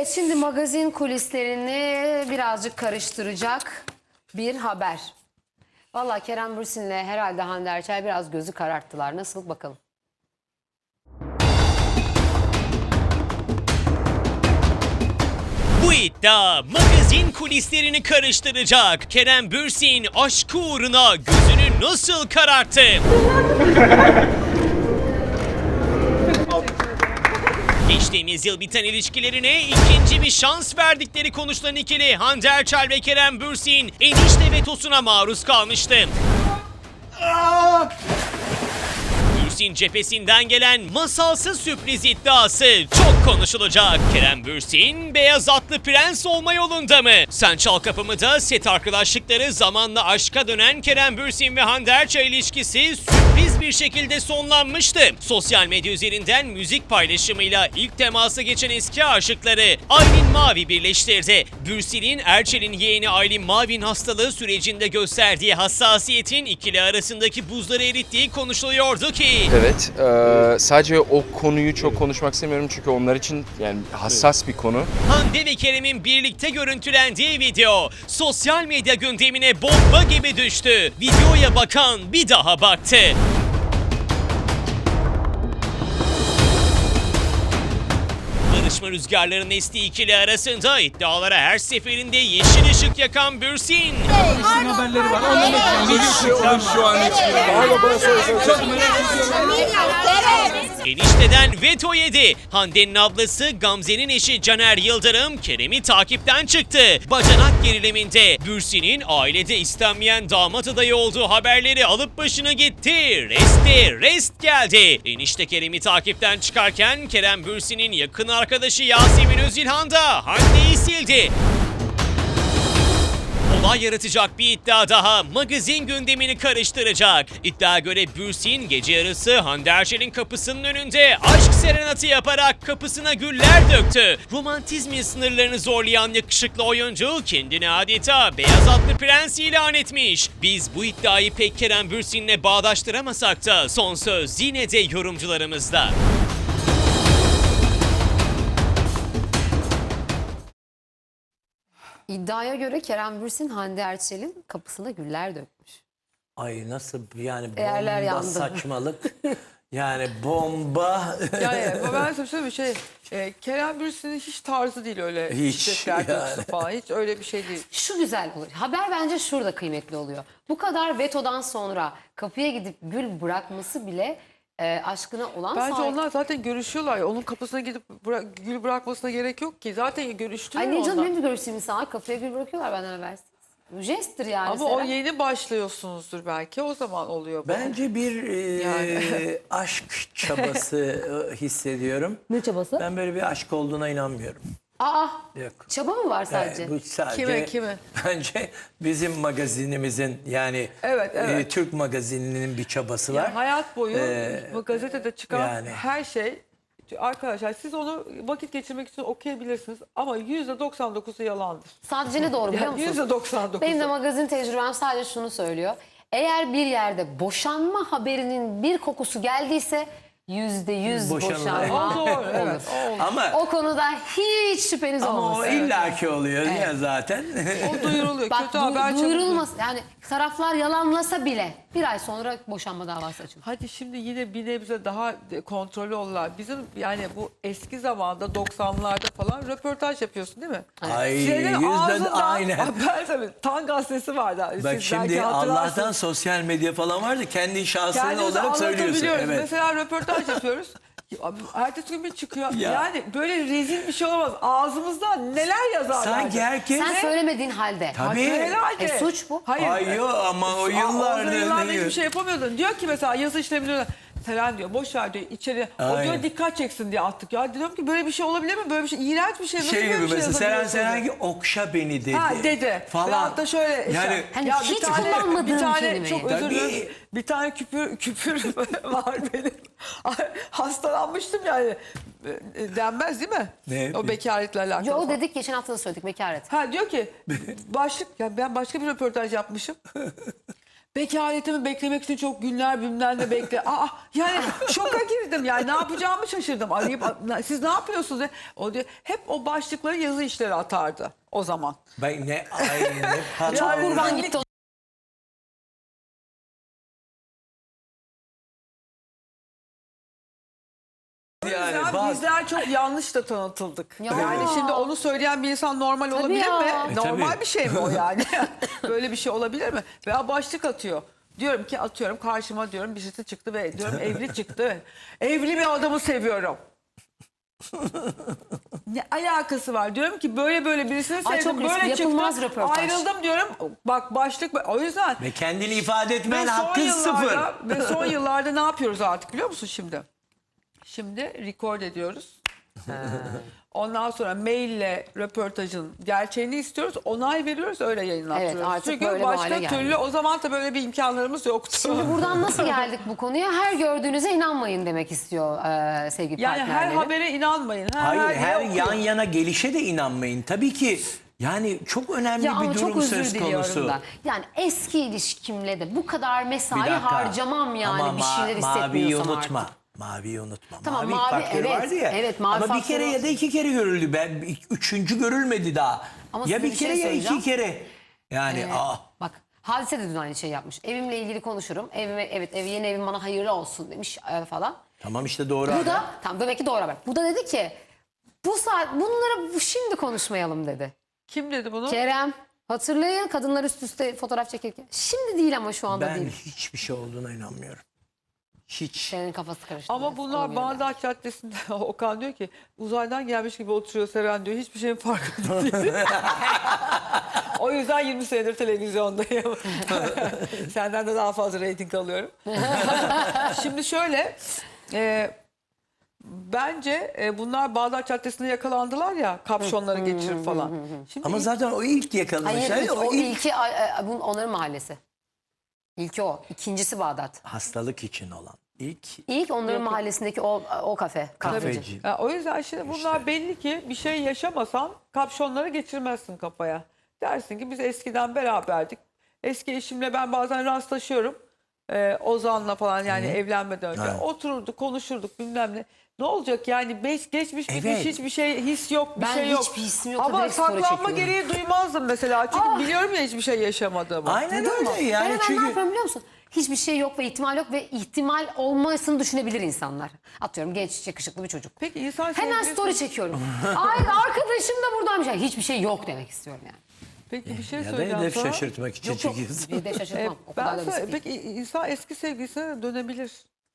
Evet, şimdi magazin kulislerini birazcık karıştıracak bir haber. Vallahi Kerem Bürsin'le herhalde Hande Erçel biraz gözü kararttılar. Nasıl bakalım? Bu iddia magazin kulislerini karıştıracak. Kerem Bürsin aşkı uğruna gözünü nasıl kararttı? Geçtiğimiz yıl biten ilişkilerine ikinci bir şans verdikleri konuşulan ikili Hande Erçel ve Kerem Bürsin enişte vetosuna maruz kalmıştı. Bürsin cephesinden gelen masalsı sürpriz iddiası çok konuşulacak. Kerem Bürsin beyaz atlı prens olma yolunda mı? Sen Çal Kapımı'da set arkadaşlıkları zamanla aşka dönen Kerem Bürsin ve Hande Erçel ilişkisi sürpriz bir şekilde sonlanmıştı. Sosyal medya üzerinden müzik paylaşımıyla ilk temasa geçen eski aşıkları Aylin Mavi birleştirdi. Bürsin'in Erçel'in yeğeni Aylin Mavi'nin hastalığı sürecinde gösterdiği hassasiyetin ikili arasındaki buzları erittiği konuşuluyordu ki Evet, sadece o konuyu çok konuşmak istemiyorum çünkü onlar için yani hassas bir konu. Hande ve Kerem'in birlikte görüntülendiği video sosyal medya gündemine bomba gibi düştü. Videoya bakan bir daha baktı. Barışma rüzgarlarının estiği ikili arasında iddialara her seferinde yeşil ışık yakan Bürsin. Haberleri var. Şu an Enişteden veto yedi. Hande'nin ablası Gamze'nin eşi Caner Yıldırım Kerem'i takipten çıktı. Bacanak geriliminde Bürsin'in ailede istenmeyen damat adayı olduğu haberleri alıp başına gitti. Rest geldi. Enişte Kerem'i takipten çıkarken Kerem Bürsin'in yakın arkadaşı Yasemin Özilhan da Hande'yi sildi. Olay yaratacak bir iddia daha magazin gündemini karıştıracak. İddiaya göre Bürsin gece yarısı Hande Erçel'in kapısının önünde aşk serenatı yaparak kapısına güller döktü. Romantizmin sınırlarını zorlayan yakışıklı oyuncu kendini adeta beyaz atlı prens ilan etmiş. Biz bu iddiayı pek Kerem Bürsin'le bağdaştıramasak da son söz yine de yorumcularımızda. İddiaya göre Kerem Bürsin Hande Erçel'in kapısına güller dökmüş. Ay nasıl yani Değerler bomba yandı. saçmalık. Yani bomba. Yani ben size söyleyeyim bir şey. Kerem Bürsin'in hiç tarzı değil öyle. Hiç çiçekler yani. döksün falan. Hiç öyle bir şey değil. Şu güzel olur. Haber bence şurada kıymetli oluyor. Bu kadar vetodan sonra kapıya gidip gül bırakması bile aşkına olan Bence sahip. onlar zaten görüşüyorlar. Onun kapısına gidip gül bırakmasına gerek yok ki. Zaten görüştüler Ay ne canım, onlar. benim de görüştüğüm insanlar kapıya gül bırakıyorlar benden habersiz. Bu jesttir yani. Ama o Seren. yeni başlıyorsunuzdur belki. O zaman oluyor bu. Bence bir Yani. aşk çabası hissediyorum. Ne çabası? Ben böyle bir aşk olduğuna inanmıyorum. Aa, Yok. çaba mı var sadece? Bu sadece Kime? bence bizim magazinimizin yani Evet. Türk magazininin bir çabası var. Yani hayat boyu bu gazetede çıkan yani. her şey, arkadaşlar siz onu vakit geçirmek için okuyabilirsiniz ama %99'u yalandır. Sadece ne doğru biliyor musun? %99'u. Benim de magazin tecrübem sadece şunu söylüyor. Eğer bir yerde boşanma haberinin bir kokusu geldiyse %100 boşanma O doğru, olur. evet. O olur. Ama O konuda hiç şüpheniz o olmasın. illaki oluyor ya zaten. O duyuruluyor. Bak Kötü haber çabuk duyurulmaz. Yani taraflar yalanlasa bile bir ay sonra boşanma davası açılır. Hadi şimdi yine bir nebze daha kontrollü olurlar. Bizim yani bu eski zamanda 90'larda falan röportaj yapıyorsun değil mi? Ay Senin yüzden ağzından aynen. haber tabii. Tan gazetesi vardı. Bak Siz belki şimdi hatırlarsınız. Allah'tan sosyal medya falan vardı. Kendi şahsını Kendimizi olarak söylüyorsun. anlatabiliyoruz. Evet. Mesela röportaj yapıyoruz. Abi, ertesi gün bir çıkıyor. Ya. Yani böyle rezil bir şey olamaz. Ağzımızdan neler yazarlar. Sanki herkes... Sen söylemediğin halde. Tabii. Herhalde. Suç bu. Hayır. Ay yok ama o O yıllarda... yıllarda hiçbir şey yapamıyordun. Diyor ki mesela yazı işlemi Seren diyor boş ver diyor içeri. O Aynen. diyor dikkat çeksin diye attık. Ya diyorum ki böyle bir şey olabilir mi? Böyle bir şey iğrenç bir şey. Nasıl Şey böyle gibi bir şey mesela Seren yazabiliyorsun diyor. Serengil okşa beni dedi. Ha dedi. Falan. Veyahut da şöyle Yani Hani hiç kullanmadığım bir tane kelimeyi. çok özür dilerim. Tabii. Bir tane küpür var benim. Hastalanmıştım yani. Denmez değil mi? Ne? O bekaretle alakalı. Yo, falan. dedik geçen hafta da söyledik bekaret. Ha diyor ki başlık ya ben başka bir röportaj yapmışım. Bekaretimi beklemek için çok günler bilmem ne bekle. Yani şoka girdim yani ne yapacağımı şaşırdım. Arayıp siz ne yapıyorsunuz? O diyor, hep o başlıkları yazı işleri atardı o zaman. Ben ne ay ne Çok patron. kurban gitti o. Yani Ya bak. bizler çok yanlış da tanıtıldık. Ya. Yani şimdi onu söyleyen bir insan normal olabilir ya. mi? Normal tabii. bir şey mi o yani? Böyle bir şey olabilir mi? Veya başlık atıyor. Diyorum ki atıyorum karşıma diyorum birisi çıktı ve diyorum evli çıktı. Evli bir adamı seviyorum. Ne alakası var? Diyorum ki böyle birisini Ay, çok sevdim. riskli, Böyle yapılmaz çıktı. röportaj. Ayrıldım diyorum. Bak başlık o yüzden. Ve kendini ifade etmen Ve son hakkın sıfır. yıllarda- Ve son yıllarda ne yapıyoruz artık biliyor musun şimdi? Şimdi record ediyoruz. Ondan sonra maille röportajın gerçeğini istiyoruz. Onay veriyoruz öyle yayınlattırıyoruz. Evet, artık Çünkü böyle bir hale başka geldi. türlü o zaman da böyle bir imkanlarımız yoktu. Şimdi buradan nasıl geldik bu konuya? Her gördüğünüze inanmayın demek istiyor sevgili yani her partnerleri. habere inanmayın. Hayır her yere yan okuyun. yana gelişe de inanmayın. Tabii ki yani çok önemli Ya ama bir çok durum özür söz diliyorum konusu. da. Yani eski ilişkimle de bu kadar Bir mesai dakika. harcamam yani Ama bir şeyler maviyi hissetmiyorsam unutma. artık. Maviyi unutma. Tamam, mavi, mavi, faktörü evet, vardı ya. evet, mavi Ama bir kere faktörü- ya da iki kere görüldü. Üçüncü görülmedi daha. Ama Ya size bir bir kere şey ya söyleyeceğim. iki kere. Yani Bak Hadise de dün aynı şey yapmış. Evimle ilgili konuşurum. Yeni evim bana hayırlı olsun demiş falan. tamam işte doğru. Bu haber. da tam demek ki doğru haber. Bu da dedi ki bunları şimdi konuşmayalım dedi. Kim dedi bunu? Kerem hatırlayın kadınlar üst üste fotoğraf çekirken. Şimdi değil ama şu anda Ben değil. hiçbir şey olduğuna inanmıyorum. Hiç. Senin kafası karıştı. Ama bunlar Bağdat Caddesi'nde Okan diyor ki uzaydan gelmiş gibi oturuyor Seren diyor. Hiçbir şeyin farkında değil. O yüzden 20 senedir televizyondayım. Senden de daha fazla reyting alıyorum. Şimdi şöyle bence bunlar Bağdat Caddesi'nde yakalandılar ya kapşonları geçirip falan. Şimdi Ama zaten o ilk yakalamış. Hayır, Yani o ilki onların mahallesi. İlki o. İkincisi Bağdat. hastalık için olan. İlk onların mahallesindeki o kafe. Kahveci. Kafeci. ya, o yüzden şimdi bunlar belli ki bir şey yaşamasan kapşonları geçirmezsin kafaya. Dersin ki biz eskiden beraberdik. Eski eşimle ben bazen rastlaşıyorum. Ozan'la falan yani evlenmeden önce. Evet. Otururduk, konuşurduk bilmem ne. Ne olacak yani geçmiş gitmiş Evet. hiçbir şey his yok bir Ben şey yok. hiçbir hissim yok, Ama direkt story saklanma çekiyorum. gereği duymazdım mesela. Çünkü biliyorum ya hiçbir şey yaşamadığımı. Aynen Duydun mu? öyle yani ben hemen ne çünkü yapıyorum biliyor musun? Hiçbir şey yok ve ihtimal yok ve ihtimal olmasını düşünebilir insanlar. Atıyorum genç yakışıklı bir çocuk. Peki insan Hemen sevgilisi- story çekiyorum. Ay arkadaşım da buradaymış. Yani hiçbir şey yok demek istiyorum yani. Peki bir şey ya da söyleyeceğim hedef sana. şaşırtmak için Yok yok. çekiyorsun. Bir de şaşırtmam. O kadar da basit değil. Peki insan eski sevgilisine de dönebilir.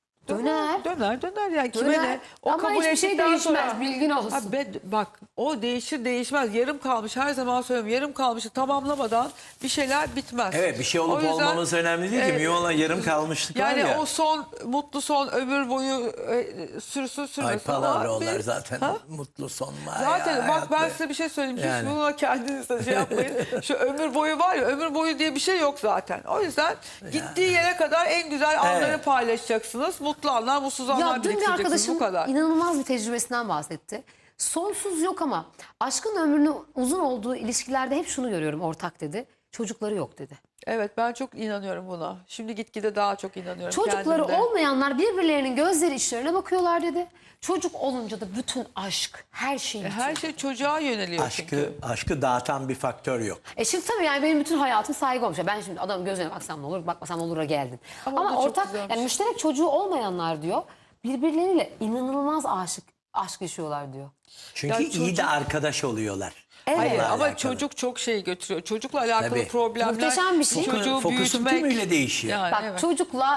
Döner. Döner yani kime Döner. ne? O Ama kabul hiçbir şey ettikten değişmez, sonra- bilgin olsun. Ha, bak o değişir değişmez. Yarım kalmış her zaman söylüyorum. Yarım kalmışı tamamlamadan bir şeyler bitmez. Evet bir şey O olup yüzden, olmaması önemli değil ki. Mühim olan yarım kalmışlık var yani ya. o son mutlu son ömür boyu sürsün sürmesin. Ay palavralar bir- zaten. Ha? Mutlu son var Zaten ya, bak ben hayatta. size bir şey söyleyeyim. Hiç Yani. buna kendiniz de şey yapmayın. Şu ömür boyu var ya ömür boyu diye bir şey yok zaten. O yüzden gittiği yere kadar en güzel anları Evet. paylaşacaksınız. Mutlu anlar, mutsuz anlar Ya dün bir biriktireceksiniz. arkadaşım Bu kadar. inanılmaz bir tecrübesinden bahsetti. Sonsuz yok ama aşkın ömrünün uzun olduğu ilişkilerde hep şunu görüyorum ortak dedi. Çocukları yok dedi. Evet ben çok inanıyorum buna. Şimdi gitgide daha çok inanıyorum Çocukları kendimde. olmayanlar birbirlerinin gözleri içlerine bakıyorlar dedi. Çocuk olunca da bütün aşk, her şey bitiyor. Her şey çocuğa yöneliyor çünkü. Aşkı dağıtan bir faktör yok. Şimdi tabii yani benim bütün hayatım saygı olmuş. Ben şimdi adamın gözüne baksam ne olur, bakmasam ne olur'a geldim. Ama o da Ama çok ortak güzelmiş. yani müşterek çocuğu olmayanlar diyor birbirleriyle inanılmaz aşk yaşıyorlar diyor. Çünkü Ya iyi de çocuk- arkadaş oluyorlar. Evet. Hayır Onunla ama alakalı. çocuk çok şey götürüyor. Çocukla alakalı Tabii. problemler. Muhteşem bir şey. Çocuğu Fokusun büyütmek. tümüyle değişiyor. Yani, Bak evet. çocukla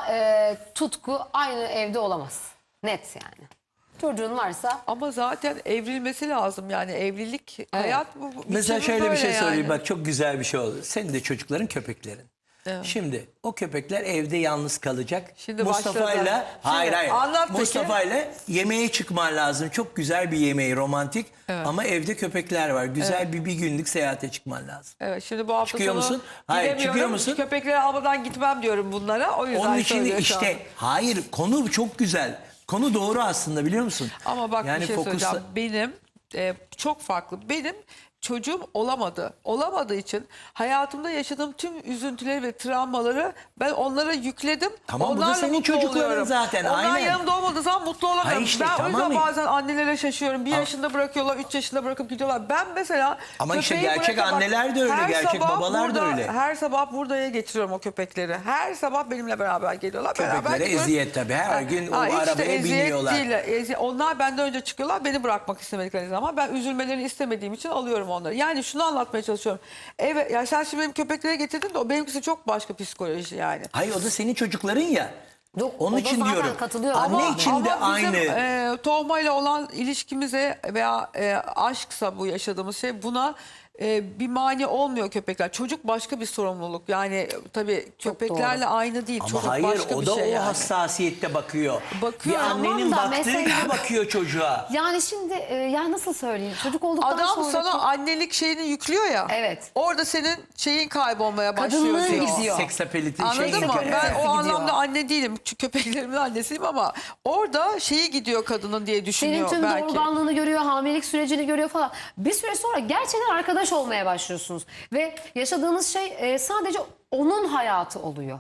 tutku aynı evde olamaz. Net yani. Çocuğun varsa Ama zaten evrilmesi lazım yani evlilik hayat bu. Mesela biçimi şöyle bir böyle şey yani. söyleyeyim bak çok güzel bir şey oldu. Senin de çocukların köpeklerin. Evet. Şimdi o köpekler evde yalnız kalacak. Şimdi Mustafa'yla başladı. hayır Şimdi anlat peki. Mustafa'yla yemeğe çıkman lazım. Çok güzel bir yemeği romantik ama evde köpekler var. Güzel bir günlük seyahate çıkman lazım. Evet şimdi bu hafta Çıkıyor sonu musun? Hayır, gidemiyorum. çıkıyor musun? Köpekleri almadan gitmem diyorum bunlara. O yüzden Onun için söylüyor şu işte an. hayır konu çok güzel. Konu doğru aslında biliyor musun? Ama bak yani bir şey fokusla- söyleyeceğim. Benim çok farklı. Benim çocuğum olamadı. Olamadığı için hayatımda yaşadığım tüm üzüntüleri ve travmaları ben onlara yükledim. Tamam, bu da Onlarla senin mutlu çocukların oluyorum. zaten, Onlar aynen. yanımda olmadığı zaman mutlu olamıyorum. Hayır işte, ben o tamam. yüzden bazen annelere şaşıyorum. 1 yaşında bırakıyorlar, 3 yaşında bırakıp gidiyorlar. Ben mesela Ama işte köpeği gerçek bırakamam. anneler de öyle, Her gerçek sabah babalar da öyle. Her sabah buradaya getiriyorum o köpekleri. Her sabah benimle beraber geliyorlar. Beraber Köpeklere gidiyoruz. eziyet tabii. Her gün o hiç de arabaya eziyet biniyorlar. değil. Onlar benden önce çıkıyorlar. Beni bırakmak istemedikleri zaman ben üzülmelerini istemediğim için alıyorum onları. Yani şunu anlatmaya çalışıyorum. Evet, ya sen şimdi benim köpeklere getirdin de o benimkisi çok başka psikoloji yani. Hayır, o da senin çocukların ya. Yok, Onun o da için zaten diyorum. katılıyorum. Anne için de Ama bizim aynı. tohmayla olan ilişkimize veya aşksa bu yaşadığımız şey buna bir mani olmuyor köpekler. Çocuk başka bir sorumluluk. Yani tabii köpeklerle aynı değil. Ama Çocuk hayır, başka o bir da şey o yani. hassasiyette bakıyor. Bakıyor. Bir annenin Tamam da baktığı mesela- gibi bakıyor çocuğa. Yani şimdi ya nasıl söyleyeyim? Çocuk olduktan Adam sonra sana annelik şeyini yüklüyor ya. Evet. Orada senin şeyin kaybolmaya başlıyor Kadınlığın diyor. gidiyor. Seksapeliti Anladın mı? şey. Ben o gidiyor. anlamda anne değilim. Çünkü köpeklerimin annesiyim ama orada şeyi gidiyor kadının diye senin düşünüyor tüm belki. doğurganlığını görüyor, hamilelik sürecini görüyor falan. Bir süre sonra gerçekten arkadaş olmaya başlıyorsunuz. Ve yaşadığınız şey sadece onun hayatı oluyor.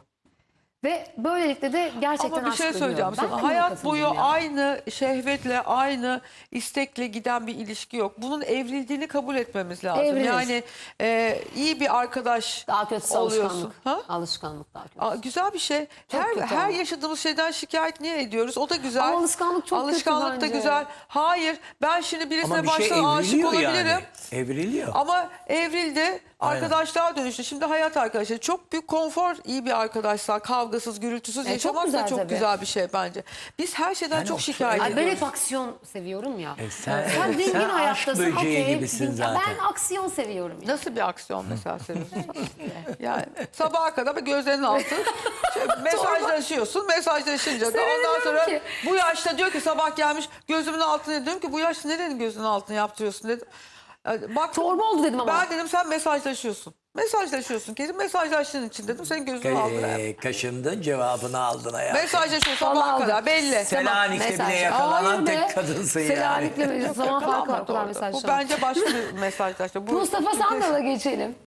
Ve böylelikle de gerçekten Ama bir şey aşk söyleyeceğim duyuyor. Ben de sana. buna Hayat katıldım boyu ya. aynı şehvetle, aynı istekle giden bir ilişki yok. Bunun evrildiğini kabul etmemiz lazım. Evrilir. Yani iyi bir arkadaş Daha kötüsü oluyorsun. alışkanlık. Ha? Alışkanlık daha kötü. Güzel bir şey. Çok kötü Her ama. yaşadığımız şeyden şikayet niye ediyoruz? O da güzel. Ama alışkanlık çok kötü Alışkanlık da bence. güzel. Hayır, ben şimdi birisine Ama bir şey baştan aşık evriliyor olabilirim. yani. Evriliyor. Ama evrildi, arkadaşlığa dönüştü. Şimdi hayat arkadaşları çok büyük konfor, iyi bir arkadaşlar, kavgasız, gürültüsüz çok yaşamak güzel da çok tabii. güzel bir şey bence. Biz her şeyden Yani çok o- şikayet Ay ben ediyoruz. hep aksiyon seviyorum ya. sen dingin aşk hayattasın. böceği okey. gibisin zaten. Ben aksiyon seviyorum. Ya. Nasıl bir aksiyon mesela seviyorsun? Yani sabaha kadar bir gözlerinin altı mesajlaşıyorsun. Mesajlaşınca da ondan Sevinemiyorum sonra ki. bu yaşta diyor ki sabah gelmiş gözümün altına diyorum ki bu yaşta nerenin gözünün altına yaptırıyorsun dedim. Bak Torba oldu dedim ama. ben dedim sen mesajlaşıyorsun. Mesajlaşıyorsun kesin mesajlaştığın için dedim senin gözünün altına. Kaşındın, cevabını aldın hayatım. Mesajlaşıyorsun Vallahi sabaha aldı. kadar belli. Selanik'te mesaj. bile yakalanan Hayır be. tek kadınsın yani. Selanik'le zaman farkı var. O kadar Orada. mesaj. Bu bence başka bir mesajlaşma. Mustafa Sandal'a geçelim.